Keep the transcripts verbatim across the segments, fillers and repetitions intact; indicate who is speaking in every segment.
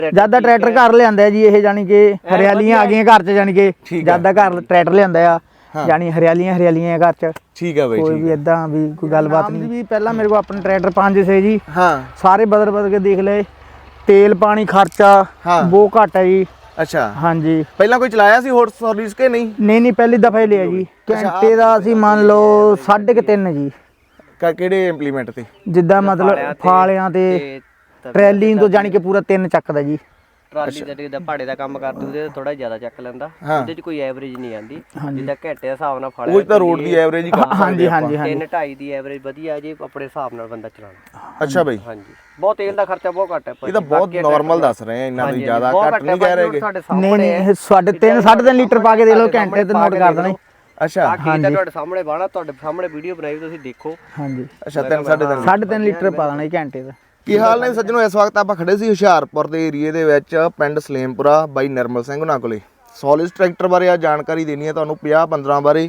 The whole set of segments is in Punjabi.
Speaker 1: ਜਿਆਦਾ ਟਰੈਕਟਰ ਘਰ ਲਿਆਂਦਾ ਜੀ ਇਹ, ਜਾਨੀ ਕਿ ਹਰਿਆਲੀਆਂ ਆ ਗਈਆਂ ਘਰ ਚ, ਜਾਨੀ ਕਿ ਜਿਆਦਾ ਘਰ ਟਰੈਕਟਰ ਲਿਆਂਦਾ ਆ, ਜਾਨੀ ਹਰਿਆਲੀਆਂ ਹਰਿਆਲੀਆਂ ਘਰ ਚ।
Speaker 2: ਠੀਕ ਹੈ ਬਾਈ,
Speaker 1: ਕੋਈ ਵੀ ਇਦਾਂ ਵੀ ਕੋਈ ਗੱਲਬਾਤ ਨਹੀਂ ਵੀ। ਪਹਿਲਾਂ ਮੇਰੇ ਕੋਲ ਆਪਣੇ ਟਰੈਕਟਰ ਪੰਜ ਸੇ ਜੀ, ਹਾਂ ਸਾਰੇ ਬਦਲ ਬਦਲ ਕੇ ਦੇਖ ਲਏ। ਤੇਲ ਪਾਣੀ ਖਰਚਾ ਬਹੁਤ ਘੱਟ ਹੈ ਜੀ।
Speaker 2: ਅੱਛਾ
Speaker 1: ਹਾਂਜੀ।
Speaker 2: ਪਹਿਲਾਂ ਕੋਈ ਚਲਾਇਆ ਸੀ ਹੋਰ ਸਰਵਿਸ ਕੇ ਨਹੀਂ?
Speaker 1: ਨਹੀਂ ਨਹੀਂ, ਪਹਿਲੀ ਦਫਾ ਹੀ ਲਿਆ ਜੀ। ਘੰਟੇ ਦਾ ਅਸੀਂ ਮੰਨ ਲਓ ਸਾਢੇ ਕੁ ਤਿੰਨ ਜੀ।
Speaker 2: ਕਿਹੜੇ ਇੰਪਲੀਮੈਂਟ ਤੇ?
Speaker 1: ਜਿੱਦਾਂ ਮਤਲਬ ਫਾਲਿਆਂ ਤੇ ਟਰੈਲੀ ਤੋਂ, ਜਾਨੀ ਕਿ ਪੂਰਾ ਤਿੰਨ ਚੱਕਦਾ ਜੀ।
Speaker 3: ਟਰਾਲੀ ਦਾ ਜਿਹੜਾ ਭਾੜੇ ਦਾ ਕੰਮ ਕਰਦੇ ਉਹਦੇ ਥੋੜਾ ਜ਼ਿਆਦਾ ਚੱਕ ਲੈਂਦਾ, ਉਹਦੇ 'ਚ ਕੋਈ ਐਵਰੇਜ ਨਹੀਂ ਆਂਦੀ। ਜਿੱਦਾਂ ਘੰਟੇ ਦੇ ਹਿਸਾਬ ਨਾਲ ਫਾਲਿਆ
Speaker 2: ਉਹ ਤਾਂ ਰੋਡ ਦੀ ਐਵਰੇਜ ਹੀ ਕੰਮ।
Speaker 1: ਹਾਂਜੀ ਹਾਂਜੀ ਹਾਂਜੀ,
Speaker 3: ਤਿੰਨ ਢਾਈ ਦੀ ਐਵਰੇਜ ਵਧੀਆ ਜੀ ਆਪਣੇ ਹਿਸਾਬ ਨਾਲ ਬੰਦਾ ਚਲਾਉਂਦਾ।
Speaker 2: ਅੱਛਾ ਬਾਈ।
Speaker 3: ਹਾਂਜੀ, ਬਹੁਤ ਤੇਲ ਦਾ ਖਰਚਾ ਬਹੁਤ ਘੱਟ ਹੈ।
Speaker 2: ਇਹ ਤਾਂ ਬਹੁਤ ਨਾਰਮਲ ਦੱਸ ਰਹੇ ਆ, ਇੰਨਾ ਵੀ ਜ਼ਿਆਦਾ ਘੱਟ ਨਹੀਂ ਕਹਿ ਰਹੇ।
Speaker 1: ਨਹੀਂ ਨਹੀਂ, ਸਾਢੇ ਤਿੰਨ ਸਾਢੇ ਤਿੰਨ ਲੀਟਰ ਪਾ ਕੇ ਦੇ ਲਓ, ਘੰਟੇ ਤੇ ਨੋਟ ਕਰ ਦੇਣਾ।
Speaker 3: ਅੱਛਾ ਹਾਂਜੀ, ਤੁਹਾਡੇ ਸਾਹਮਣੇ ਬਾਣਾ, ਤੁਹਾਡੇ ਸਾਹਮਣੇ ਵੀਡੀਓ ਬਣਾਈ ਤੁਸੀਂ ਦੇਖੋ।
Speaker 1: ਹਾਂਜੀ
Speaker 2: ਅੱਛਾ, ਤਿੰਨ ਸਾਢੇ ਤਿੰਨ
Speaker 1: ਸਾਢੇ ਤਿੰਨ ਲੀਟਰ ਪਾ ਦੇਣਾ ਘੰਟੇ ਦਾ।
Speaker 2: ਕੀ ਹਾਲ ਨੇ ਸੱਜਣੋ? ਇਸ ਵਕਤ ਆਪਾਂ ਖੜੇ ਸੀ ਹੁਸ਼ਿਆਰਪੁਰ ਦੇ ਏਰੀਏ ਦੇ ਵਿੱਚ, ਪਿੰਡ ਸਲੇਮਪੁਰਾ, ਬਾਈ ਨਿਰਮਲ ਸਿੰਘ ਉਹਨਾਂ ਕੋਲੇ। ਸੋਲਿਸ ਟਰੈਕਟਰ ਬਾਰੇ ਆ ਜਾਣਕਾਰੀ ਦੇਣੀ ਹੈ ਤੁਹਾਨੂੰ, ਪੰਜਾਹ ਪੰਦਰਾਂ ਬਾਰੇ।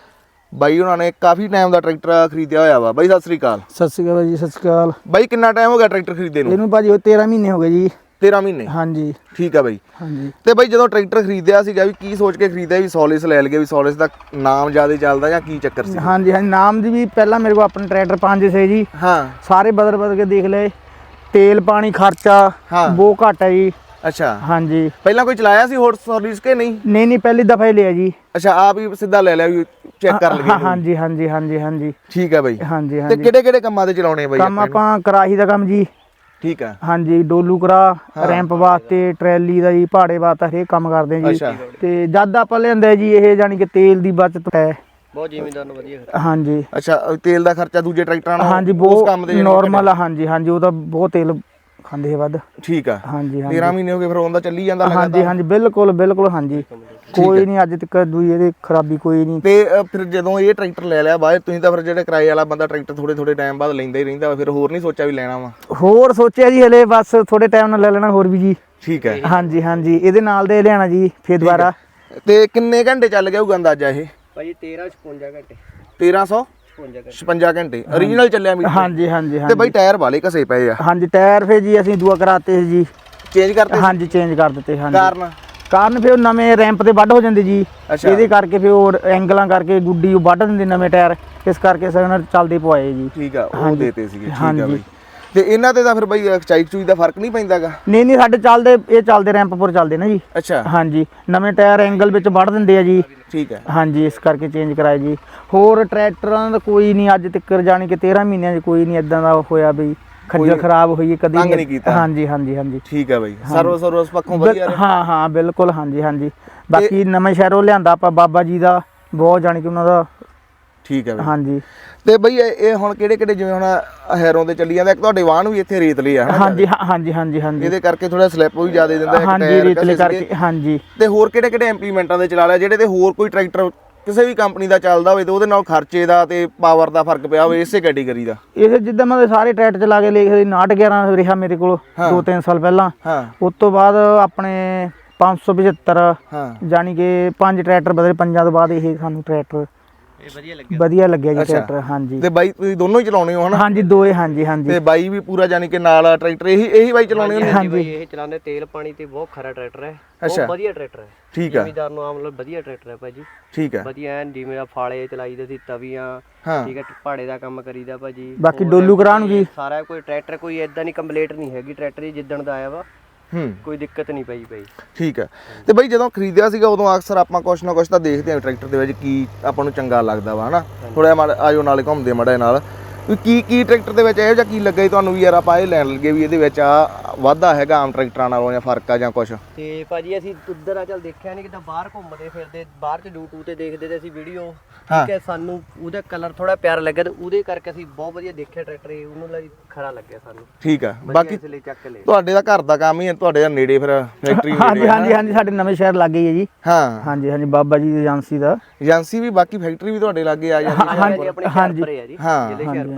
Speaker 2: ਬਾਈ ਉਹਨਾਂ ਨੇ ਕਾਫੀ ਟਾਈਮ ਦਾ ਟਰੈਕਟਰ ਖਰੀਦਿਆ ਹੋਇਆ ਵਾ। ਬਾਈ ਸਤਿ ਸ੍ਰੀ ਅਕਾਲ।
Speaker 1: ਸਤਿ ਸ੍ਰੀ ਅਕਾਲ ਜੀ। ਸਤਿ ਸ੍ਰੀ ਅਕਾਲ
Speaker 2: ਬਾਈ। ਕਿੰਨਾ ਟਾਈਮ ਹੋ ਗਿਆ ਟਰੈਕਟਰ ਖਰੀਦੇ ਨੂੰ?
Speaker 1: ਇਹਨੂੰ ਭਾਜੀ ਉਹ ਤੇਰਾਂ ਮਹੀਨੇ ਹੋ ਗਏ ਜੀ।
Speaker 2: ਤੇਰਾਂ ਮਹੀਨੇ?
Speaker 1: ਹਾਂਜੀ।
Speaker 2: ਠੀਕ ਆ ਬਾਈ।
Speaker 1: ਹਾਂਜੀ।
Speaker 2: ਤੇ ਬਾਈ ਜਦੋਂ ਟਰੈਕਟਰ ਖਰੀਦਿਆ ਸੀਗਾ ਵੀ ਕੀ ਸੋਚ ਕੇ ਖਰੀਦਿਆ ਵੀ ਸੋਲਿਸ ਲੈ ਲਈਏ, ਵੀ ਸੋਲਿਸ ਦਾ ਨਾਮ ਜ਼ਿਆਦਾ ਚੱਲਦਾ ਜਾਂ ਕੀ ਚੱਕਰ ਸੀ?
Speaker 1: ਹਾਂਜੀ ਹਾਂਜੀ, ਨਾਮ ਦੀ ਵੀ ਪਹਿਲਾਂ ਮੇਰੇ ਕੋਲ ਆਪਣੇ ਟਰੈਕਟਰ ਪੰਜ ਸੇ ਜੀ, ਹਾਂ ਸਾਰੇ ਬਦਲ ਬਦਲ ਕੇ ਦੇਖ ਲਏ। ਤੇਲ ਪਾਣੀ ਖਰਚਾ ਬਹੁਤ ਘੱਟ ਹੈ ਜੀ। ਅੱਛਾ ਹਾਂਜੀ। ਪਹਿਲਾਂ ਕੋਈ ਚਲਾਇਆ ਸੀ ਹੋਰ ਸਰਵਿਸ ਕੇ ਨਹੀਂ? ਨਹੀਂ ਨਹੀਂ, ਪਹਿਲੀ ਦਫਾ ਹੀ ਲਿਆ ਜੀ। ਅੱਛਾ, ਆਪ ਹੀ ਸਿੱਧਾ ਲੈ ਲਿਆ ਵੀ ਚੈੱਕ ਕਰ ਲਈਏ? ਹਾਂਜੀ ਹਾਂਜੀ ਹਾਂਜੀ ਹਾਂਜੀ। ਠੀਕ ਹੈ ਬਾਈ। ਹਾਂਜੀ ਹਾਂਜੀ। ਤੇ ਕਿਹੜੇ ਕਿਹੜੇ ਕੰਮਾਂ ਤੇ ਚਲਾਉਣੇ ਬਾਈ? ਕੰਮ ਆਪਾਂ ਕਰਾਹੀ ਦਾ ਕੰਮ ਜੀ। ਠੀਕ ਹੈ। ਹਾਂਜੀ, ਡੋਲੂ ਕਰਾ, ਰੈਂਪ ਵਾਸਤੇ, ਟਰੈਲੀ ਦਾ ਜੀ, ਭਾੜੇ ਵਾਸਤੇ, ਹਰੇਕ ਕੰਮ ਕਰਦੇ ਜੀ। ਤੇ ਜਦ ਆਪਾਂ ਲਿਆਂਦਾ ਜੀ ਇਹ, ਜਾਨੀ ਕਿ ਤੇਲ ਦੀ ਬਚਤ ਹੈ
Speaker 3: ਬਹੁਤ, ਜ਼ਿਮੀਂਦਾਰ ਨੂੰ ਵਧੀਆ।
Speaker 1: ਹਾਂਜੀ।
Speaker 2: ਅੱਛਾ, ਤੇਲ ਦਾ ਖਰਚਾ ਦੂਜੇ ਟਰੈਕਟਰਾਂ ਨਾਲ
Speaker 1: ਹਾਂਜੀ ਬਹੁਤ ਨੋਰਮਲ ਆ। ਹਾਂਜੀ ਹਾਂਜੀ, ਉਹ ਤਾਂ ਬਹੁਤ ਤੇਲ ਖਾਂਦੇ ਹੈ ਵੱਧ। ਠੀਕ ਆ। ਹਾਂਜੀ ਹਾਂਜੀ। ਤੇਰਾਂ ਮਹੀਨੇ ਹੋ ਗਏ ਫਿਰ ਉਹਦਾ ਚੱਲੀ ਜਾਂਦਾ ਲਗਾਤਾਰ? ਹਾਂਜੀ ਹਾਂਜੀ, ਬਿਲਕੁਲ ਬਿਲਕੁਲ। ਹਾਂਜੀ, ਕੋਈ ਨਹੀਂ ਅੱਜ ਤੱਕ ਦੂਈ ਇਹਦੀ ਖਰਾਬੀ ਕੋਈ ਨਹੀਂ। ਤੇ ਫਿਰ ਜਦੋਂ ਇਹ ਟਰੈਕਟਰ ਲੈ ਲਿਆ ਬਾਅਦ, ਤੁਸੀਂ ਤਾਂ ਫਿਰ ਜਿਹੜੇ ਕਿਰਾਏ ਵਾਲਾ ਬੰਦਾ ਟਰੈਕਟਰ ਥੋੜੇ ਥੋੜੇ ਟਾਈਮ ਬਾਅਦ ਲੈਂਦਾ ਹੀ ਰਹਿੰਦਾ, ਫਿਰ ਹੋਰ ਨਹੀਂ ਸੋਚਿਆ ਵੀ ਲੈਣਾ ਵਾ? ਹੋਰ ਸੋਚਿਆ ਜੀ, ਹਲੇ ਬਸ ਥੋੜੇ ਟਾਈਮ ਨਾਲ ਲੈ ਲੈਣਾ ਹੋਰ ਵੀ ਜੀ। ਠੀਕ ਹੈ। ਹਾਂਜੀ ਹਾਂਜੀ, ਇਹਦੇ ਨਾਲ ਦੇ ਲਿਆਣਾ ਜੀ ਫਿਰ ਦੁਬਾਰਾ। ਤੇ ਕਿੰਨੇ ਘੰਟੇ ਚੱਲ ਗਿਆ ਹੋਊਗਾ ਅੰਦਾਜ਼ਾ ਇਹ?
Speaker 3: ਭਾਜੀ ਤੇਰਾਂ ਛਪੰਜਾ ਘੰਟੇ।
Speaker 2: ਤੇਰਾਂ ਸੌ ਛਪੰਜਾ ਘੰਟੇ ਓਰੀਜਨਲ ਚੱਲਿਆ ਮੀਟਰ? ਹਾਂਜੀ ਹਾਂਜੀ। ਤੇ ਬਾਈ ਟਾਇਰ ਵਾਲੇ ਘਸੇ ਪਏ ਆ? ਹਾਂਜੀ, ਟਾਇਰ ਫੇ ਜੀ ਅਸੀਂ ਦੂਆ ਕਰਾਤੇ ਜੀ, ਚੇਂਜ ਕਰਤੇ? ਹਾਂਜੀ, ਚੇਂਜ ਕਰ ਦਿੱਤੇ। ਹਾਂਜੀ। ਕਾਰਨ? ਕਾਰਨ ਫਿਰ ਨਵੇਂ ਰੈਂਪ ਤੇ ਵੱਢ ਹੋ ਜਾਂਦੇ ਜੀ, ਇਹਦੇ ਕਰਕੇ ਫਿਰ ਉਹ ਐਂਗਲਾਂ ਕਰਕੇ ਗੁੱਡੀ ਵੱਢ ਦਿੰਦੇ ਨਵੇਂ ਟਾਇਰ, ਇਸ ਕਰਕੇ ਸਗਨ ਚੱਲਦੇ ਪਵਾਏ ਜੀ। ਠੀਕ ਆ, ਉਹ ਦੇਤੇ ਸੀਗੇ। ਠੀਕ ਆ ਬਾਈ। ਤੇ ਇਹਨਾਂ ਤੇ ਤਾਂ ਫਿਰ ਬਾਈ ਚਾਈ ਚੂਈ ਦਾ ਫਰਕ ਨਹੀਂ ਪੈਂਦਾਗਾ? ਨਹੀਂ ਨਹੀਂ, ਸਾਡੇ ਚੱਲਦੇ ਇਹ ਚੱਲਦੇ ਰੈਂਪ ਪਰ ਚੱਲਦੇ ਨਾ ਜੀ। ਅੱਛਾ। ਹਾਂਜੀ, ਨਵੇਂ ਟਾਇਰ ਐਂਗਲ ਵਿੱਚ ਵੱਢ ਦਿੰਦੇ ਆ ਜੀ। ਠੀਕ ਹੈ। ਹਾਂਜੀ, ਇਸ ਕਰਕੇ ਚੇਂਜ ਕਰਾਏ ਜੀ। ਹੋਰ ਟਰੈਕਟਰਾਂ ਦਾ ਕੋਈ ਨਹੀਂ ਅੱਜ ਤੱਕ, ਜਾਣੀ ਕਿ ਤੇਰਾਂ ਮਹੀਨਿਆਂ 'ਚ ਕੋਈ ਨਹੀਂ ਇਦਾਂ ਦਾ ਹੋਇਆ ਵੀ ਖੱਜਲ ਖਰਾਬ ਹੋਈ ਕਦੀ ਨਹੀਂ। ਹਾਂਜੀ ਹਾਂਜੀ ਹਾਂਜੀ। ਠੀਕ ਹੈ ਬਾਈ। ਸਰਵਿਸ ਸਰਵਿਸ ਪੱਖੋਂ ਵਧੀਆ? ਹਾਂ ਹਾਂ ਬਿਲਕੁਲ। ਹਾਂਜੀ ਹਾਂਜੀ। ਬਾਕੀ ਨਵੇਂ ਸ਼ਹਿਰੋਂ ਲਿਆਂਦਾ ਆਪਾਂ ਬਾਬਾ ਜੀ ਦਾ, ਬਹੁਤ ਜਾਣੀ ਕਿ ਉਹਨਾਂ ਦਾ। ਠੀਕ ਹੈ ਬਾਈ। ਹਾਂਜੀ। ਤੇ ਬਈ ਇਹ ਹੁਣ ਕਿਹੜੇ ਕਿਹੜੇ, ਜਿਵੇਂ ਹੁਣ ਹੈਰੋਂ ਤੇ ਚੱਲੀ ਜਾਂਦਾ, ਇੱਕ ਤੁਹਾਡੇ ਵਾਹਨ ਵੀ ਇੱਥੇ ਰੇਤਲੇ ਆ? ਹਾਂਜੀ ਹਾਂਜੀ ਹਾਂਜੀ ਹਾਂਜੀ। ਇਹਦੇ ਕਰਕੇ ਥੋੜਾ ਸਲਿੱਪ ਵੀ ਜ਼ਿਆਦਾ ਦਿੰਦਾ? ਹਾਂਜੀ, ਰੇਤਲੇ ਕਰਕੇ। ਹਾਂਜੀ। ਤੇ ਹੋਰ ਕਿਹੜੇ ਕਿਹੜੇ ਇੰਪਲੀਮੈਂਟਾਂ ਦੇ ਚਲਾ ਲਿਆ ਜਿਹੜੇ ਤੇ ਹੋਰ ਕੋਈ ਟਰੈਕਟਰ ਕਿਸੇ ਵੀ ਕੰਪਨੀ ਦਾ ਚੱਲਦਾ ਹੋਵੇ ਤੇ ਉਹਦੇ ਨਾਲ ਖਰਚੇ ਦਾ ਤੇ ਪਾਵਰ ਦਾ ਫਰਕ ਪਿਆ ਹੋਵੇ ਇਸੇ ਕੈਟੇਗਰੀ ਦਾ? ਇਹ ਜਿੱਦਾਂ ਮੈਂ ਸਾਰੇ ਟਰੈਕਟਰ ਚਲਾ ਕੇ ਲਿਖਦੇ ਉਨਾਹਠ ਗਿਆਰਾਂ ਰਿਹਾ ਮੇਰੇ ਕੋਲ ਦੋ ਤਿੰਨ ਸਾਲ ਪਹਿਲਾਂ। ਉਸ ਤੋਂ ਬਾਅਦ ਆਪਣੇ ਪੰਜ ਸੌ ਪਝੱਤਰ, ਜਾਨੀ ਕਿ ਪੰਜ ਟਰੈਕਟਰ ਬਦਲੇ, ਪੰਜਾਂ ਤੋਂ ਬਾਅਦ ਇਹ ਸਾਨੂੰ ਟਰੈਕਟਰ ਵਧੀਆ ਲੱਗਿਆ। ਵਧੀਆ ਲੱਗਿਆ ਜੀ ਟਰੈਕਟਰ। ਹਾਂਜੀ। ਤੇ ਬਾਈ ਤੁਸੀਂ ਦੋਨੋਂ ਹੀ ਚਲਾਉਣੇ ਹੋ ਹਨਾ? ਹਾਂਜੀ, ਦੋਏ। ਹਾਂਜੀ ਹਾਂਜੀ। ਤੇ ਬਾਈ ਵੀ ਪੂਰਾ ਜਾਨੀ ਕਿ ਨਾਲ ਟਰੈਕਟਰ ਇਹੀ ਇਹੀ ਬਾਈ ਚਲਾਉਣੇ ਹੁੰਦੇ? ਹਾਂਜੀ,
Speaker 3: ਇਹ ਚਲਾਉਂਦੇ। ਤੇਲ ਪਾਣੀ ਤੇ ਬਹੁਤ ਖਰਾ ਟਰੈਕਟਰ ਹੈ, ਬਹੁਤ ਵਧੀਆ ਟਰੈਕਟਰ ਹੈ। ਠੀਕ ਹੈ। ਜ਼ਿਮੀਂਦਾਰ ਨੂੰ ਆਮ ਮਤਲਬ ਵਧੀਆ ਟਰੈਕਟਰ ਹੈ ਭਾਜੀ। ਠੀਕ ਹੈ। ਵਧੀਆ ਐਨ, ਜਿਵੇਂ ਫਾਲੇ ਚਲਾਈਦੇ ਸੀ, ਤਵੀਆਂ। ਠੀਕ ਹੈ। ਭਾੜੇ ਦਾ ਕੰਮ ਕਰੀਦਾ ਭਾਜੀ। ਬਾਕੀ ਡੋਲੂ ਕਰਾਉਣ ਵੀ ਸਾਰਾ ਕੋਈ ਟਰੈਕਟਰ, ਕੋਈ ਏਦਾਂ ਨਹੀਂ ਕੰਪਲੇਂਟ ਨਹੀਂ ਹੈਗੀ ਟਰੈਕਟਰ ਦੀ ਜਿੱਦਣ ਦਾ ਆਇਆ ਵਾ। ਹੂੰ, ਕੋਈ ਦਿੱਕਤ ਨਹੀਂ ਪਈ ਪਈ। ਠੀਕ ਹੈ। ਤੇ ਬਾਈ ਜਦੋਂ ਖਰੀਦਿਆ ਸੀਗਾ ਉਦੋਂ ਅਕਸਰ ਆਪਾਂ ਕੁਛ ਨਾ ਕੁਛ ਤਾਂ ਦੇਖਦੇ ਹਾਂ ਟਰੈਕਟਰ ਦੇ ਵਿੱਚ ਕੀ ਆਪਾਂ ਨੂੰ ਚੰਗਾ ਲੱਗਦਾ ਵਾ ਹਨਾ। ਥੋੜਾ ਜਿਹਾ ਆਜੋ ਨਾਲੇ ਘੁੰਮਦੇ ਮੜੇ ਨਾਲ ਵੀ ਕੀ ਕੀ ਟਰੈਕਟਰ ਦੇ ਵਿੱਚ ਇਹੋ ਜਿਹਾ ਕੀ ਲੱਗਾ ਤੁਹਾਨੂੰ ਵੀ ਯਾਰ ਆਪਾਂ ਇਹ ਲੈਣ ਲੱਗੇ ਵੀ ਇਹਦੇ ਵਿੱਚ ਆ ਵਾਧਾ ਹੈਗਾ ਆਮ ਟਰੈਕਟਰਾਂ ਨਾਲੋਂ ਜਾਂ ਫਰਕ ਆ ਜਾਂ ਕੁਛ? ਤੇ ਭਾਜੀ ਅਸੀਂ ਉੱਧਰ ਆ ਚੱਲ ਦੇਖਿਆ ਨਹੀਂ, ਕਿਤੇ ਬਾਹਰ ਘੁੰਮਦੇ ਫਿਰਦੇ ਬਾਹਰ ਚ ਯੂਟਿਊਬ ਤੇ ਦੇਖਦੇ ਤੇ ਅਸੀਂ ਵੀਡੀਓ। ਠੀਕ ਹੈ। ਸਾਨੂੰ ਉਹਦਾ ਕਲਰ ਥੋੜਾ ਪਿਆਰਾ ਲੱਗਿਆ ਤੇ ਉਹਦੇ ਕਰਕੇ ਅਸੀਂ ਬਹੁਤ ਵਧੀਆ ਦੇਖਿਆ ਟਰੈਕਟਰ, ਉਹਨੂੰ ਲਈ ਖਰਾ ਲੱਗਿਆ ਸਾਨੂੰ। ਠੀਕ ਆ। ਬਾਕੀ ਤੁਹਾਡੇ ਦਾ ਘਰ ਦਾ ਕੰਮ ਹੀ ਹੈ, ਤੁਹਾਡੇ ਦਾ ਨੇੜੇ ਫਿਰ ਫੈਕਟਰੀ? ਹਾਂਜੀ ਹਾਂਜੀ ਹਾਂਜੀ, ਸਾਡੇ ਨਵੇਂ ਸ਼ਹਿਰ ਲੱਗੇ ਹੈ ਜੀ। ਹਾਂ ਹਾਂਜੀ ਹਾਂਜੀ, ਬਾਬਾ ਜੀ ਦੀ ਏਜੰਸੀ ਦਾ। ਏਜੰਸੀ ਵੀ, ਬਾਕੀ ਫੈਕਟਰੀ ਵੀ ਤੁਹਾਡੇ ਲਾਗੇ ਆ ਜਾਂਦੀ? ਹਾਂਜੀ ਹਾਂਜੀ ਹਾਂ,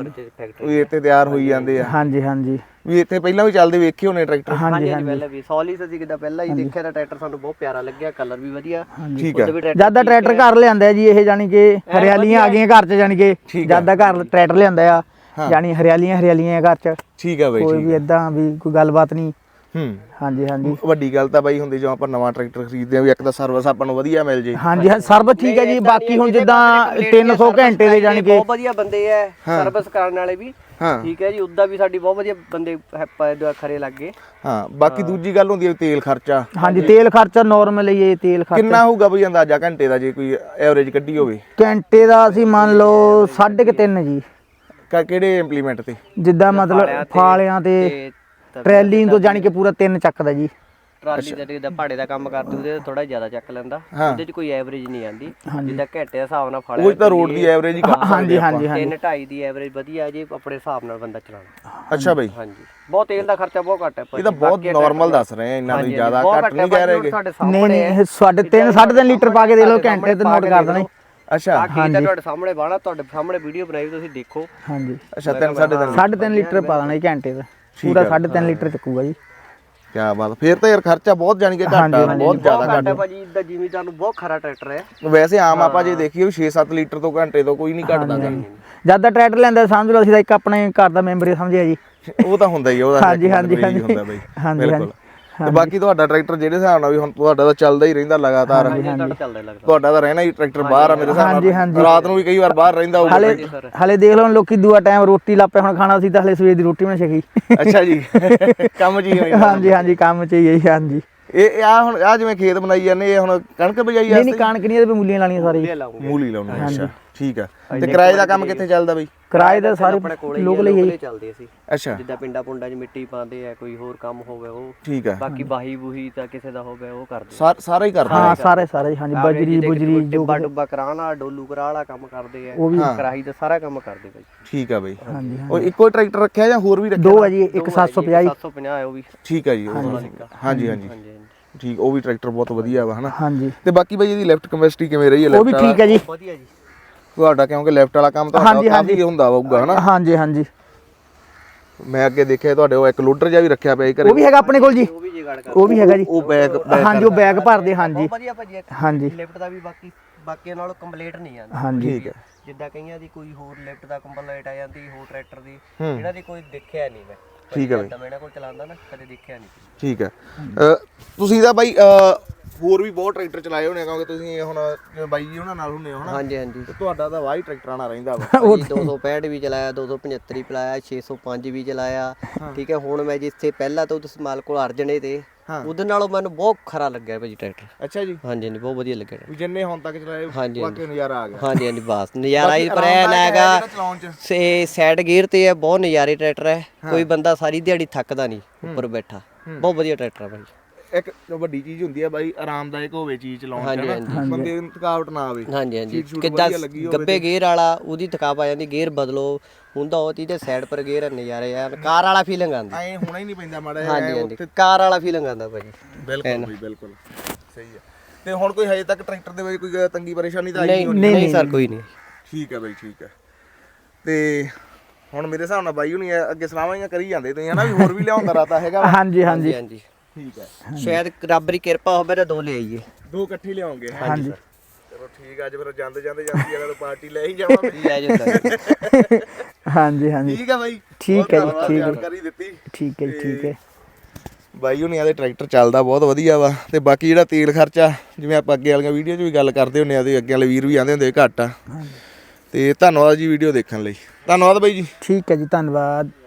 Speaker 3: ਵੀ ਇੱਥੇ ਤਿਆਰ ਹੋਈ ਜਾਂਦੇ ਆ? ਹਾਂਜੀ ਹਾਂਜੀ। ਵੀ ਇੱਥੇ ਪਹਿਲਾਂ ਵੀ ਚੱਲਦੇ ਵੇਖੇ ਹੋਣੇ ਟਰੈਕਟਰ? ਹਾਂਜੀ ਹਾਂਜੀ, ਪਹਿਲਾਂ ਵੀ ਸੋਲਿਸ ਅਸੀਂ ਕਿਦਾਂ ਪਹਿਲਾਂ ਹੀ ਦੇਖਿਆ ਤਾਂ ਟਰੈਕਟਰ ਸਾਨੂੰ ਬਹੁਤ ਪਿਆਰਾ ਲੱਗਿਆ, ਕਲਰ ਵੀ ਵਧੀਆ। ਠੀਕ ਹੈ। ਜਿਆਦਾ ਟਰੈਕਟਰ ਘਰ ਲਿਆਂਦਾ ਜੀ ਇਹ, ਜਾਨੀ ਕਿ ਹਰਿਆਲੀਆਂ ਆ ਗਈਆਂ ਘਰ ਚ, ਜਾਨੀ ਕਿ ਜਿਆਦਾ ਘਰ ਟਰੈਕਟਰ ਲਿਆਂਦਾ ਆ, ਜਾਨੀ ਹਰਿਆਲੀਆਂ ਹਰਿਆਲੀਆਂ ਘਰ ਚ। ਠੀਕ ਹੈ ਬਾਈ। ਕੋਈ ਵੀ ਇਦਾਂ ਵੀ ਕੋਈ ਗੱਲਬਾਤ ਨਹੀਂ,
Speaker 2: ਹੂੰ
Speaker 1: ਹਾਂਜੀ ਹਾਂਜੀ
Speaker 2: ਵੱਡੀ ਗੱਲ ਤਾਂ ਬਾਈ ਹੁੰਦੀ ਜਦੋਂ ਆਪਾਂ ਨਵਾਂ ਟਰੈਕਟਰ ਖਰੀਦਦੇ ਆ ਵੀ ਇੱਕ ਤਾਂ ਸਰਵਿਸ ਆਪਾਂ ਨੂੰ ਵਧੀਆ ਮਿਲ ਜੇ।
Speaker 1: ਹਾਂਜੀ ਹਾਂ ਸਰਵਿਸ ਠੀਕ ਹੈ ਜੀ। ਬਾਕੀ ਹੁਣ ਜਿੱਦਾਂ ਤਿੰਨ ਸੌ ਘੰਟੇ ਦੇ ਜਾਣੀ ਕਿ
Speaker 3: ਬਹੁਤ ਵਧੀਆ ਬੰਦੇ ਐ ਸਰਵਿਸ ਕਰਨ ਵਾਲੇ ਵੀ।
Speaker 2: ਹਾਂ
Speaker 3: ਠੀਕ ਹੈ ਜੀ। ਉਦਾਂ ਵੀ ਸਾਡੀ ਬਹੁਤ ਵਧੀਆ ਬੰਦੇ ਖਰੇ ਲੱਗੇ।
Speaker 2: ਹਾਂ ਬਾਕੀ ਦੂਜੀ ਗੱਲ ਹੁੰਦੀ ਹੈ ਤੇਲ ਖਰਚਾ।
Speaker 1: ਹਾਂਜੀ ਤੇਲ ਖਰਚਾ ਨਾਰਮਲ ਹੀ ਹੈ ਤੇਲ ਖਰਚਾ।
Speaker 2: ਕਿੰਨਾ ਹੋਊਗਾ ਬਈ ਅੰਦਾਜ਼ਾ ਘੰਟੇ ਦਾ ਜੇ ਕੋਈ ਐਵਰੇਜ ਕੱਢੀ ਹੋਵੇ?
Speaker 1: ਘੰਟੇ ਦਾ ਅਸੀਂ ਮੰਨ ਲਓ ਸਾਢੇ ਕੁ ਤਿੰਨ ਜੀ।
Speaker 2: ਕਿਹੜੇ ਇੰਪਲੀਮੈਂਟ ਤੇ?
Speaker 1: ਜਿੱਦਾਂ ਮਤਲਬ ਫਾਲਿਆਂ ਤੇ ਟਰੈਲੀ ਤੋਂ ਜਾਣੀ ਕਿ ਪੂਰਾ ਤਿੰਨ ਚੱਕਦਾ ਜੀ।
Speaker 3: ਟਰਾਲੀ ਦਾ ਜਿੱਦਾਂ ਭਾੜੇ ਦਾ ਕੰਮ ਕਰਦੇ ਉਹਦੇ ਥੋੜਾ ਜ਼ਿਆਦਾ ਚੱਕ ਲੈਂਦਾ। ਉਹਦੇ 'ਚ ਕੋਈ ਐਵਰੇਜ ਨਹੀਂ ਆਂਦੀ ਜਿੱਦਾਂ ਘੰਟੇ ਦੇ ਹਿਸਾਬ ਨਾਲ ਫਾਲਿਆ।
Speaker 2: ਉਹ ਤਾਂ ਰੋਡ ਦੀ ਐਵਰੇਜ ਹੀ ਕਰ ਸਕਦੇ।
Speaker 1: ਹਾਂਜੀ ਹਾਂਜੀ ਹਾਂਜੀ
Speaker 3: ਤਿੰਨ ਢਾਈ ਦੀ ਐਵਰੇਜ ਵਧੀਆ ਜੀ ਆਪਣੇ ਹਿਸਾਬ ਨਾਲ ਬੰਦਾ ਚਲਾਉਣਾ।
Speaker 2: ਅੱਛਾ ਬਈ।
Speaker 3: ਹਾਂਜੀ ਬਹੁਤ ਤੇਲ ਦਾ ਖਰਚਾ ਬਹੁਤ ਘੱਟ ਹੈ।
Speaker 2: ਇਹ ਤਾਂ ਬਹੁਤ ਨਾਰਮਲ ਦੱਸ ਰਹੇ ਆ ਇੰਨਾ ਵੀ ਜ਼ਿਆਦਾ ਘੱਟ ਨਹੀਂ ਕਹਿ ਰਹੇ।
Speaker 1: ਨਹੀਂ ਨਹੀਂ ਸਾਢੇ ਤਿੰਨ ਸਾਢੇ ਤਿੰਨ ਲੀਟਰ ਪਾ ਕੇ ਦੇ ਲਓ ਘੰਟੇ ਤੇ ਨੋਟ ਕਰ ਦੇਣਾ।
Speaker 2: ਅੱਛਾ
Speaker 3: ਬਾਕੀ ਤਾਂ ਤੁਹਾਡੇ ਸਾਹਮਣੇ ਬਾਣਾ ਤੁਹਾਡੇ ਸਾਹਮਣੇ ਵੀਡੀਓ ਬਣਾਈ ਤੁਸੀਂ ਦੇਖੋ।
Speaker 1: ਹਾਂਜੀ
Speaker 2: ਅੱਛਾ ਤਿੰਨ ਸਾਢੇ ਤਿੰਨ
Speaker 1: ਸਾਢੇ ਤਿੰਨ ਲੀਟਰ ਪਾ ਦੇਣਾ ਜੀ ਘੰਟੇ ਦਾ ਪੂਰਾ ਸਾਢੇ ਤਿੰਨ ਲੀਟਰ ਚੱਕੂਗਾ ਜੀ।
Speaker 2: ਕਿਆ ਬਾਤ। ਫੇਰ ਤਾਂ ਯਾਰ ਖਰਚਾ ਬਹੁਤ ਜਾਣੀ ਕਿ ਘੱਟ ਆ ਬਹੁਤ ਜ਼ਿਆਦਾ ਘੱਟ
Speaker 3: ਹੈ ਭਾਜੀ। ਇਦਾਂ ਜ਼ਿਮੀਦਾਰ ਨੂੰ ਬਹੁਤ ਖਰਾ ਟਰੈਕਟਰ ਹੈ।
Speaker 2: ਵੈਸੇ ਆਮ ਆਪਾਂ ਜੇ ਦੇਖੀਏ ਛੇ ਸੱਤ ਲੀਟਰ ਤੋਂ ਘੰਟੇ ਤੋਂ ਕੋਈ ਨਹੀਂ ਘਟਦਾ।
Speaker 1: ਜਦ ਦਾ ਟਰੈਕਟਰ ਲੈਂਦਾ ਸਮਝ ਲਓ ਅਸੀਂ ਤਾਂ ਇੱਕ ਆਪਣੇ ਘਰ ਦਾ ਮੈਂਬਰ ਹੀ ਸਮਝਿਆ ਜੀ।
Speaker 2: ਉਹ ਤਾਂ ਹੁੰਦਾ ਹੀ ਉਹਦਾ।
Speaker 1: ਹਾਂਜੀ ਹਾਂਜੀ ਹਾਂਜੀ
Speaker 2: ਹੁੰਦਾ ਬਈ
Speaker 1: ਬਿਲਕੁਲ।
Speaker 2: ਤੇ ਬਾਕੀ ਤੁਹਾਡਾ ਟਰੈਕਟਰ ਜਿਹੜੇ ਹਿਸਾਬ ਨਾਲ ਵੀ ਹੁਣ ਤੁਹਾਡਾ ਤਾਂ ਚੱਲਦਾ ਹੀ ਰਹਿੰਦਾ ਲਗਾਤਾਰ। ਤੁਹਾਡਾ ਤਾਂ ਰਹਿਣਾ ਹੀ ਟਰੈਕਟਰ ਬਾਹਰ ਆ ਮੇਰੇ ਹਿਸਾਬ ਨਾਲ। ਰਾਤ ਨੂੰ ਵੀ ਕਈ ਵਾਰ ਬਾਹਰ ਰਹਿੰਦਾ ਹੋਊਗਾ।
Speaker 1: ਹਲੇ ਹਲੇ ਦੇਖ ਲਓ ਲੋਕੀ ਦੂਆ ਟਾਈਮ ਰੋਟੀ ਲਾਪੇ ਹੁਣ ਖਾਣਾ ਸੀ ਤਾਂ ਹਲੇ ਸਵੇਰ ਦੀ ਰੋਟੀ ਮੈਂ ਛਕੀ।
Speaker 2: ਅੱਛਾ ਜੀ ਕੰਮ ਜੀ ਹੋਈ।
Speaker 1: ਹਾਂਜੀ ਹਾਂਜੀ ਕੰਮ ਚ ਹੀ ਹਾਂਜੀ।
Speaker 2: ਇਹ ਆ ਹੁਣ ਆ ਜਿਵੇਂ ਖੇਤ ਬਣਾਈ ਜਾਂਦੇ ਇਹ ਹੁਣ ਕਣਕ ਬਜਾਈ ਆ?
Speaker 1: ਨਹੀਂ ਨਹੀਂ ਕਣਕ ਨਹੀਂ, ਇਹਦੇ ਮੂਲੀਆਂ ਲਾਣੀਆਂ ਸਾਰੀ।
Speaker 2: ਮੂਲੀ ਲਾਉਣੀ। ਅੱਛਾ ਠੀਕ ਆ। ਤੇ ਕਿਰਾਏ ਦਾ ਕੰਮ ਕਿੱਥੇ ਚੱਲਦਾ ਬਈ?
Speaker 1: ਕਿਰਾਏ ਦਾ ਸਾਰੇ ਲੋਕਲ ਹੀ
Speaker 3: ਚੱਲਦੇ ਸੀ।
Speaker 2: ਅੱਛਾ
Speaker 3: ਜਿੱਦਾਂ ਪਿੰਡਾਂ ਪੁੰਡਾਂ 'ਚ ਮਿੱਟੀ ਪਾਉਂਦੇ ਆ ਕੋਈ ਹੋਰ ਕੰਮ ਹੋਵੇ ਉਹ।
Speaker 2: ਠੀਕ ਆ।
Speaker 3: ਬਾਕੀ ਬਾਹੀ ਬੂਹੀ ਤਾਂ ਕਿਸੇ ਦਾ ਹੋਵੇ ਉਹ ਕਰਦੇ
Speaker 2: ਸਾਰਾ ਹੀ ਕਰਦੇ।
Speaker 1: ਹਾਂ ਸਾਰੇ ਸਾਰੇ ਹਾਂਜੀ ਬਜਰੀ ਬੁਜਰੀ ਜੋ
Speaker 3: ਡੱਬਾ ਡੁੱਬਾ ਕਰਾਉਣ ਵਾਲਾ ਡੋਲੂ ਕਰਾ ਵਾਲਾ ਕੰਮ ਕਰਦੇ ਆ। ਕਰਾਹੀ ਦਾ ਸਾਰਾ ਕੰਮ ਕਰਦੇ ਬਾਈ।
Speaker 2: ਠੀਕ ਆ ਬਈ।
Speaker 1: ਹਾਂਜੀ
Speaker 2: ਉਹ ਇੱਕੋ ਟਰੈਕਟਰ ਰੱਖਿਆ ਜਾਂ ਹੋਰ ਵੀ ਰੱਖਿਆ?
Speaker 1: ਦੋ ਆ ਜੀ ਇੱਕ ਸੱਤ ਸੌ ਪੰਜਾਹ
Speaker 3: ਸੱਤ ਸੌ ਪੰਜਾਹ ਹੈ ਉਹ ਵੀ।
Speaker 2: ਠੀਕ ਆ ਜੀ। ਹਾਂਜੀ ਹਾਂਜੀ ਠੀਕ। ਉਹ ਵੀ ਟਰੈਕਟਰ ਬਹੁਤ ਵਧੀਆ ਵਾ ਹਨਾ।
Speaker 1: ਹਾਂਜੀ
Speaker 2: ਤੇ ਬਾਕੀ ਬਈ ਇਹਦੀ ਲੈਫਟ ਕੈਪੈਸਿਟੀ ਕਿਵੇਂ ਰਹੀ ਹੈ?
Speaker 1: ਉਹ ਵੀ ਠੀਕ ਹੈ ਜੀ
Speaker 3: ਵਧੀਆ ਜੀ
Speaker 2: ਤੁਹਾਡਾ ਕਿਉਂਕਿ ਲੈਫਟ ਵਾਲਾ ਕੰਮ ਤੁਹਾਡਾ ਕਾਫੀ ਹੁੰਦਾ ਹੋਊਗਾ ਹਨਾ।
Speaker 1: ਹਾਂਜੀ ਹਾਂਜੀ
Speaker 2: ਮੈਂ ਅੱਗੇ ਦੇਖਿਆ ਤੁਹਾਡੇ ਉਹ ਇੱਕ ਲੋਡਰ ਜਿਹਾ ਵੀ ਰੱਖਿਆ ਪਿਆ ਘਰੇ।
Speaker 1: ਉਹ ਵੀ ਹੈਗਾ ਆਪਣੇ ਕੋਲ ਜੀ।
Speaker 3: ਉਹ ਵੀ ਜਗਾੜ ਕਰ
Speaker 1: ਉਹ ਵੀ ਹੈਗਾ ਜੀ।
Speaker 2: ਉਹ ਬੈਗ
Speaker 1: ਹਾਂਜੀ ਉਹ ਬੈਗ ਭਰਦੇ ਹਾਂਜੀ
Speaker 3: ਵਧੀਆ ਭਾਜੀ।
Speaker 1: ਹਾਂਜੀ
Speaker 3: ਲਿਫਟ ਦਾ ਵੀ ਬਾਕੀ ਬਾਕੀਆਂ ਨਾਲੋਂ ਕੰਪਲੀਟ ਨਹੀਂ ਆਉਂਦਾ।
Speaker 1: ਹਾਂਜੀ
Speaker 2: ਠੀਕ ਹੈ।
Speaker 3: ਜਿੱਦਾਂ ਕਈਆਂ ਦੀ ਕੋਈ ਹੋਰ ਲਿਫਟ ਦਾ ਕੰਪਲੀਟ ਆ ਜਾਂਦੀ ਹੋਰ ਟਰੈਕਟਰ ਦੀ ਇਹਨਾਂ ਦੀ ਕੋਈ ਦੇਖਿਆ ਨਹੀਂ ਮੈਂ।
Speaker 2: ਠੀਕ ਹੈ ਬਈ।
Speaker 3: ਮੈਂ ਇਹਨਾਂ ਕੋਲ ਚਲਾਉਂਦਾ ਨਾ ਕਦੇ ਦੇਖਿਆ ਨਹੀਂ।
Speaker 2: ਠੀਕ ਹੈ। ਤੁਸੀਂ ਤਾਂ ਬਾਈ ਹੋਰ ਵੀ ਬਹੁਤ ਟਰੈਕਟਰ ਚਲਾਏ ਹੋਣੇ ਕਿਉਂਕਿ ਤੁਸੀਂ ਹੁਣ ਜਿਵੇਂ ਬਾਈ ਜੀ ਉਹਨਾਂ ਨਾਲ ਹੁੰਦੇ ਹੋ ਹਨਾ।
Speaker 3: ਹਾਂਜੀ ਹਾਂਜੀ।
Speaker 2: ਤੁਹਾਡਾ ਤਾਂ ਵਾਹੀ ਟਰੈਕਟਰਾਂ ਨਾਲ ਰਹਿੰਦਾ ਵਾ।
Speaker 3: ਦੋ ਸੌ ਪੈਂਹਠ ਵੀ ਚਲਾਇਆ ਦੋ ਸੌ ਪਝੱਤਰ ਵੀ ਚਲਾਇਆ ਛੇ ਸੌ ਪੰਜ ਵੀ ਚਲਾਇਆ। ਠੀਕ ਹੈ। ਹੁਣ ਮੈਂ ਜਿੱਥੇ ਪਹਿਲਾਂ ਤੋਂ ਤੁਸੀਂ ਮਾਲ ਕੋਲ ਅਰਜਣੇ ਤੇ ਉਹਦੇ ਨਾਲੋਂ ਮੈਨੂੰ ਬਹੁਤ ਖਰਾ ਲੱਗਿਆ ਭਾਜੀ ਟਰੈਕਟਰ।
Speaker 2: ਅੱਛਾ ਜੀ।
Speaker 3: ਹਾਂਜੀ ਹਾਂਜੀ ਬਹੁਤ ਵਧੀਆ ਲੱਗਿਆ।
Speaker 2: ਵੀ ਜਿੰਨੇ ਹੁਣ ਤੱਕ ਚਲਾਏ ਵਾਕਈ ਨਜ਼ਾਰਾ ਆ ਗਿਆ।
Speaker 3: ਹਾਂਜੀ ਹਾਂਜੀ ਬਸ ਨਜ਼ਾਰਾ ਹੀ ਪਰ ਐਨ ਹੈਗਾ ਸੇ ਸਾਈਡ ਗੇਅਰ ਤੇ ਹੈ ਬਹੁਤ ਨਜ਼ਾਰੇ ਟਰੈਕਟਰ ਹੈ। ਕੋਈ ਬੰਦਾ ਸਾਰੀ ਦਿਹਾੜੀ ਥੱਕਦਾ ਨਹੀਂ ਉੱਪਰ ਬੈਠਾ। ਬਹੁਤ ਵਧੀਆ ਟਰੈਕਟਰ ਹੈ ਭਾਈ।
Speaker 2: ਇੱਕ ਵੱਡੀ ਚੀਜ਼ ਹੁੰਦੀ ਹੈ ਬਾਈ ਆਰਾਮਦਾਇਕ ਹੋਵੇ ਚੀਜ਼ ਚਲਾਉਣ ਚ ਬੰਦੇ ਨੂੰ ਥਕਾਵਟ ਨਾ ਆਵੇ।
Speaker 3: ਹਾਂਜੀ ਹਾਂਜੀ ਕਿੱਦਾਂ ਗੱਬੇ ਗੇਅਰ ਵਾਲਾ ਉਹਦੀ ਥਕਾਵਟ ਆ ਜਾਂਦੀ ਗੇਅਰ ਬਦਲੋ ਹੁੰਦਾ ਉਹ ਤੇ ਸਾਈਡ ਪਰ ਗੇਅਰ ਨਜ਼ਾਰੇ ਯਾਰ ਕਾਰ ਵਾਲਾ ਫੀਲਿੰਗ ਆਉਂਦੀ।
Speaker 2: ਐ ਹੋਣਾ ਹੀ ਨਹੀਂ ਪੈਂਦਾ ਮਾੜਾ
Speaker 3: ਜਿਹਾ। ਹਾਂਜੀ ਹਾਂਜੀ ਕਾਰ ਵਾਲਾ ਫੀਲਿੰਗ ਆਉਂਦਾ ਭਾਜੀ।
Speaker 2: ਬਿਲਕੁਲ ਬਈ ਬਿਲਕੁਲ ਸਹੀ ਹੈ। ਤੇ ਹੁਣ ਕੋਈ ਹਜੇ ਤੱਕ ਟਰੈਕਟਰ ਦੇ ਵਿੱਚ ਕੋਈ ਤੰਗੀ ਪਰੇਸ਼ਾਨੀ ਤਾਂ ਆਈ
Speaker 3: ਨਹੀਂ? ਨਹੀਂ ਸਰ ਕੋਈ ਨਹੀਂ।
Speaker 2: ਠੀਕ ਹੈ ਬਾਈ ਠੀਕ ਹੈ। ਤੇ ਹੁਣ ਮੇਰੇ ਹਿਸਾਬ ਨਾਲ ਬਾਈ ਹੁਣੀ ਅੱਗੇ ਸਲਾਹਾਂ ਹੀ ਕਰੀ ਜਾਂਦੇ ਤੁਸੀਂ ਹਨਾ ਵੀ ਹੋਰ ਵੀ ਲਿਆਉਂਦਾ ਰਾਤਾ ਹੈਗਾ।
Speaker 1: ਹਾਂਜੀ ਹਾਂਜੀ
Speaker 3: ਹਾਂਜੀ
Speaker 2: ਠੀਕ ਹੈ।
Speaker 3: ਸ਼ਾਇਦ ਰੱਬ ਦੀ ਕਿਰਪਾ ਹੋਵੇ ਤਾਂ ਦੋ ਲੈ ਆਈਏ।
Speaker 2: ਦੋ ਇਕੱਠੇ ਲਿਆਉਂਗੇ।
Speaker 1: ਹਾਂਜੀ
Speaker 2: ਚਲੋ ਠੀਕ ਆ। ਅੱਜ ਫਿਰ ਜਾਂਦੇ ਜਾਂਦੇ ਜਾਂਦੀ ਅਗਰ ਪਾਰਟੀ ਲੈ ਹੀ ਜਾਵਾਂਗੇ।
Speaker 3: ਲੈ ਜਾਂਦਾ।
Speaker 1: ਹਾਂਜੀ ਹਾਂਜੀ
Speaker 2: ਠੀਕ ਆ ਬਾਈ।
Speaker 1: ਠੀਕ ਹੈ ਜੀ ਠੀਕ ਹੈ
Speaker 2: ਜਾਣਕਾਰੀ ਦਿੱਤੀ।
Speaker 1: ਠੀਕ ਹੈ ਜੀ ਠੀਕ ਹੈ।
Speaker 2: ਬਾਈ ਹੁਣੀਆਂ ਦੇ ਟਰੈਕਟਰ ਚੱਲਦਾ ਬਹੁਤ ਵਧੀਆ ਵਾ। ਤੇ ਬਾਕੀ ਜਿਹੜਾ ਤੇਲ ਖਰਚਾ ਜਿਵੇਂ ਆਪਾਂ ਅੱਗੇ ਵਾਲੀਆਂ ਵੀਡੀਓ 'ਚ ਵੀ ਗੱਲ ਕਰਦੇ ਹੁੰਦੇ ਆ ਤੇ ਅੱਗੇ ਵਾਲੇ ਵੀਰ ਵੀ ਆਉਂਦੇ ਹੁੰਦੇ ਘੱਟ ਆ। ਤੇ ਧੰਨਵਾਦ ਜੀ ਵੀਡੀਓ ਦੇਖਣ ਲਈ। ਧੰਨਵਾਦ ਬਾਈ ਜੀ।
Speaker 1: ਠੀਕ ਹੈ ਜੀ ਧੰਨਵਾਦ।